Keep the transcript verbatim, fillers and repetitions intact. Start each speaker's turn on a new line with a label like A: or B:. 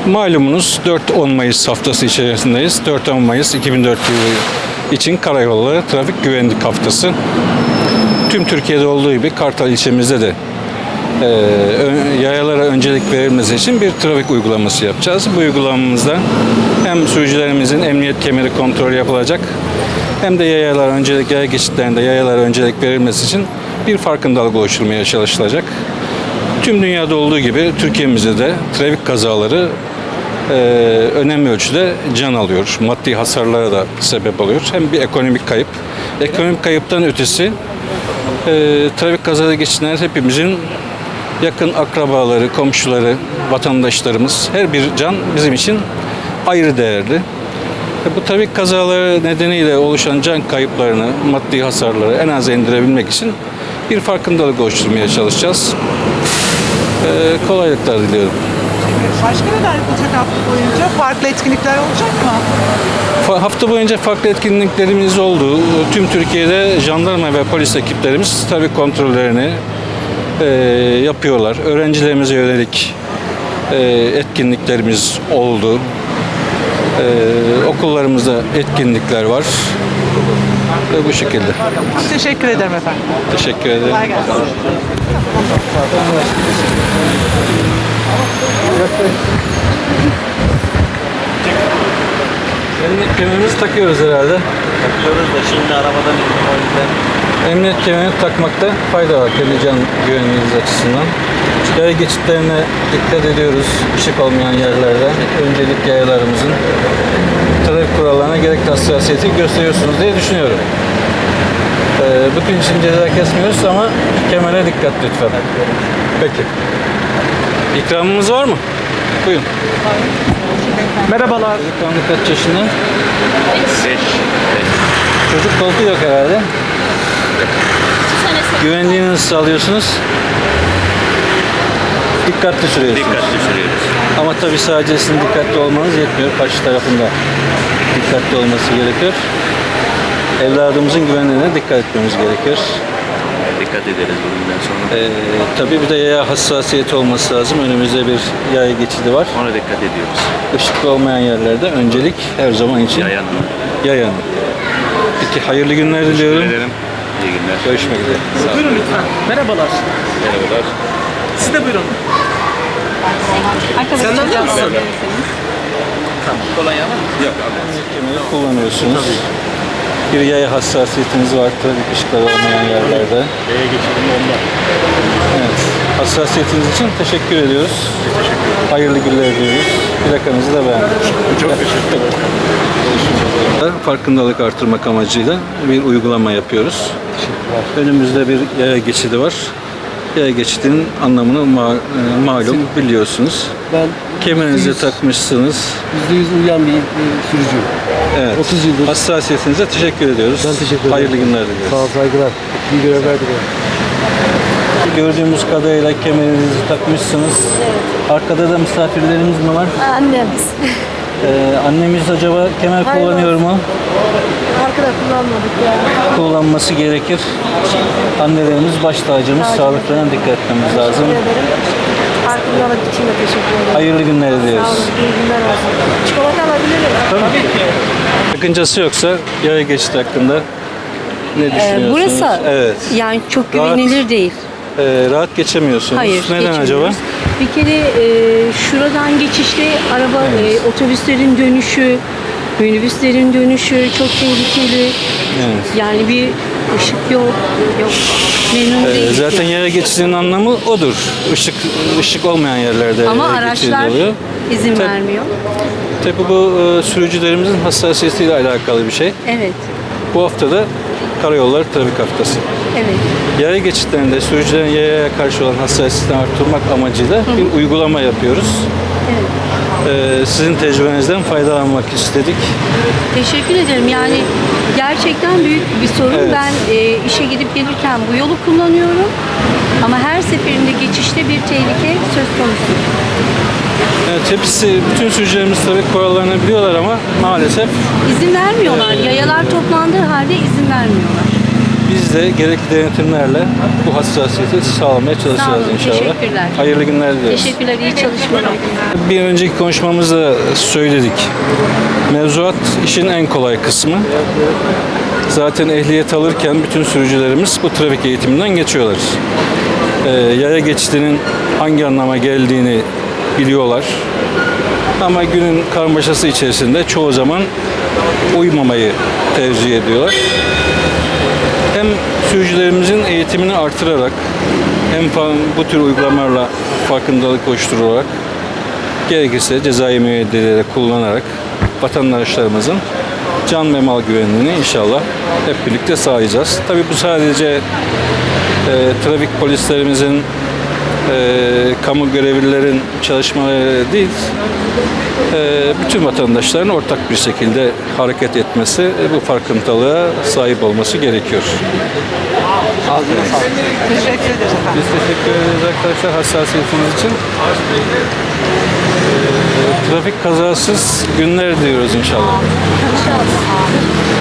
A: Malumunuz dört on Mayıs haftası içerisindeyiz. dört on Mayıs iki bin dört yılı için Karayolları Trafik Güvenlik Haftası. Tüm Türkiye'de olduğu gibi Kartal ilçemizde de e, yayalara öncelik verilmesi için bir trafik uygulaması yapacağız. Bu uygulamamızda hem sürücülerimizin emniyet kemeri kontrolü yapılacak hem de yayalar öncelik, yaya geçitlerinde yayalara öncelik verilmesi için bir farkındalık oluşturmaya çalışılacak. Tüm dünyada olduğu gibi Türkiye'mizde de trafik kazaları e, önemli ölçüde can alıyor. Maddi hasarlara da sebep oluyor. Hem bir ekonomik kayıp. Ekonomik kayıptan ötesi e, trafik kazaları geçiren hepimizin yakın akrabaları, komşuları, vatandaşlarımız, her bir can bizim için ayrı değerli. E, bu trafik kazaları nedeniyle oluşan can kayıplarını, maddi hasarları en az indirebilmek için bir farkındalık oluşturmaya çalışacağız. Ee, kolaylıklar diliyorum.
B: Başka neler yapılacak hafta boyunca? Farklı etkinlikler olacak mı?
A: Fa- hafta boyunca farklı etkinliklerimiz oldu. Tüm Türkiye'de jandarma ve polis ekiplerimiz trafik kontrollerini e, yapıyorlar. Öğrencilerimize yönelik e, etkinliklerimiz oldu. E, okullarımızda etkinlikler var. Ve bu şekilde.
B: Çok teşekkür ederim efendim.
A: Teşekkür ederim.
B: Kolay gelsin.
A: Emniyet kemerimizi takıyoruz herhalde.
C: Takıyoruz da şimdi arabadan indim o yüzden.
A: Emniyet kemerini takmakta fayda var kendi can güvenliğiniz açısından. Yaya geçitlerine dikkat ediyoruz. Işık olmayan yerlerde öncelik yayalarımızın trafik kurallarına gerekli hassasiyeti gösteriyorsunuz diye düşünüyorum. Ee, bütün için ceza kesmiyoruz ama kemere dikkat lütfen. Peki. İkramımız var mı? Buyurun.
B: Merhabalar.
A: Çocuklarınız kaç yaşında?
C: Beş.
A: Çocuk koltuğu yok herhalde. Güvenliğini nasıl sağlıyorsunuz? Dikkatli sürüyorsunuz.
C: Dikkatli sürüyoruz.
A: Ama tabii sadece sizin dikkatli olmanız yetmiyor. Karşı tarafında dikkatli olması gerekiyor. Evladımızın güvenliğine dikkat etmemiz gerekiyor.
C: Dikkat ederiz bugünden sonra.
A: Ee, tabii bir de yaya hassasiyeti olması lazım. Önümüzde bir yaya geçidi var.
C: Ona dikkat ediyoruz.
A: Işıklı olmayan yerlerde öncelik her zaman için
C: Yayan mı?
A: yayanın. Peki hayırlı günler diliyorum.
C: Teşekkür ederim. İyi günler.
A: Görüşmek üzere. Sağ olun.
B: Buyurun lütfen. Merhabalar.
C: Merhabalar.
B: Siz de buyurun.
D: Senden de misin?
C: Kolonya var mı? Yok abi.
A: Kemeri kullanıyorsunuz. Bir yaya hassasiyetiniz var trafik ışıkları olmayan yerlerde.
C: Yaya geçelim onda.
A: Evet. Hassasiyetiniz için teşekkür ediyoruz. Hayırlı günler diliyoruz. Plakanızı da beğendik.
C: Çok teşekkür ederim.
A: Farkındalık artırmak amacıyla bir uygulama yapıyoruz. Önümüzde bir yaya geçidi var. Yaya geçidinin anlamını ma- e, malum biliyorsunuz.
D: Ben
A: Kemerinizi
D: yüzde yüz
A: takmışsınız.
D: yüzde yüz uyan bir e, sürücüyüm.
A: Evet.
D: otuz yıldır.
A: Hassasiyetinize teşekkür ediyoruz.
D: Ben teşekkür ederim.
A: Hayırlı günler diliyoruz.
D: Sağ ol, saygılar. İyi görevler diliyorum.
A: Gördüğümüz kadarıyla kemerinizi takmışsınız. Arkada da misafirlerimiz mi var?
E: Annemiz.
A: Ee, annemiz acaba kemer
E: Hayır,
A: kullanıyor mu?
E: Arkada kullanmadık ya.
A: Kullanması gerekir. Annelerimiz baş tacımız, sağlıklarına dikkat etmemiz lazım.
E: Teşekkür ederim. Farkındalık için de teşekkür ederim.
A: Hayırlı günler
E: Sağ
A: diliyoruz.
E: olun. İyi günler olsun. Çikolata alabilir miyim?
A: Tabii ki. Sakıncası yoksa yaya geçidi hakkında ne
F: Ee,
A: düşünüyorsunuz?
F: burası
A: Evet.
F: yani çok güvenilir değil.
A: Ee, rahat geçemiyorsunuz.
F: Hayır,
A: Neden acaba?
F: geçemiyoruz. Bir kere e, şuradan geçişte araba,
A: Evet.
F: e, otobüslerin dönüşü, minibüslerin dönüşü çok tehlikeli.
A: Evet.
F: Yani bir ışık yok, yok. Memnun
A: Ee,
F: değiliz.
A: zaten
F: yani.
A: yaya geçidinin anlamı odur. Işık ışık olmayan yerlerde
F: Ama
A: yaya geçidi
F: araçlar
A: oluyor.
F: izin
A: Tabii.
F: vermiyor.
A: Tabii bu e, sürücülerimizin hassasiyetiyle alakalı bir şey.
F: Evet,
A: Bu hafta da Karayolları Trafik Haftası.
F: evet.
A: Yaya geçitlerinde sürücülerin yayaya karşı olan hassasiyetini arttırmak amacıyla bir uygulama yapıyoruz.
F: Evet.
A: Ee, sizin tecrübenizden faydalanmak istedik.
F: Teşekkür ederim. Yani gerçekten büyük bir sorun.
A: Evet.
F: Ben e, işe gidip gelirken bu yolu kullanıyorum. Ama her seferinde geçişte bir tehlike söz konusu.
A: Evet, hepsi, bütün sürücülerimiz trafik kurallarını biliyorlar ama maalesef
F: İzin vermiyorlar. Yayalar toplandığı halde izin vermiyorlar.
A: Biz de gerekli denetimlerle bu hassasiyeti sağlamaya çalışacağız
F: Sağ olun,
A: inşallah.
F: teşekkürler.
A: Hayırlı günler dileriz.
F: Teşekkürler, iyi çalışmalar.
A: Bir önceki konuşmamızda söyledik. Mevzuat işin en kolay kısmı. Zaten ehliyet alırken bütün sürücülerimiz bu trafik eğitiminden geçiyorlar. Ee, yaya geçidinin hangi anlama geldiğini biliyorlar. Ama günün karmaşası içerisinde çoğu zaman uymamayı tercih ediyorlar. Hem sürücülerimizin eğitimini artırarak hem fa- bu tür uygulamalarla farkındalık oluşturarak gerekirse cezai müeyyideleri kullanarak vatandaşlarımızın can ve mal güvenliğini inşallah hep birlikte sağlayacağız. Tabii bu sadece e, trafik polislerimizin, e, kamu görevlilerin çalışmaları değil, e, bütün vatandaşların ortak bir şekilde hareket etmesi, e, bu farkındalığa sahip olması gerekiyor.
B: Teşekkür ederiz efendim.
A: Biz teşekkür ederiz arkadaşlar hassasiyetiniz için. Ee, trafik kazasız günler diyoruz inşallah.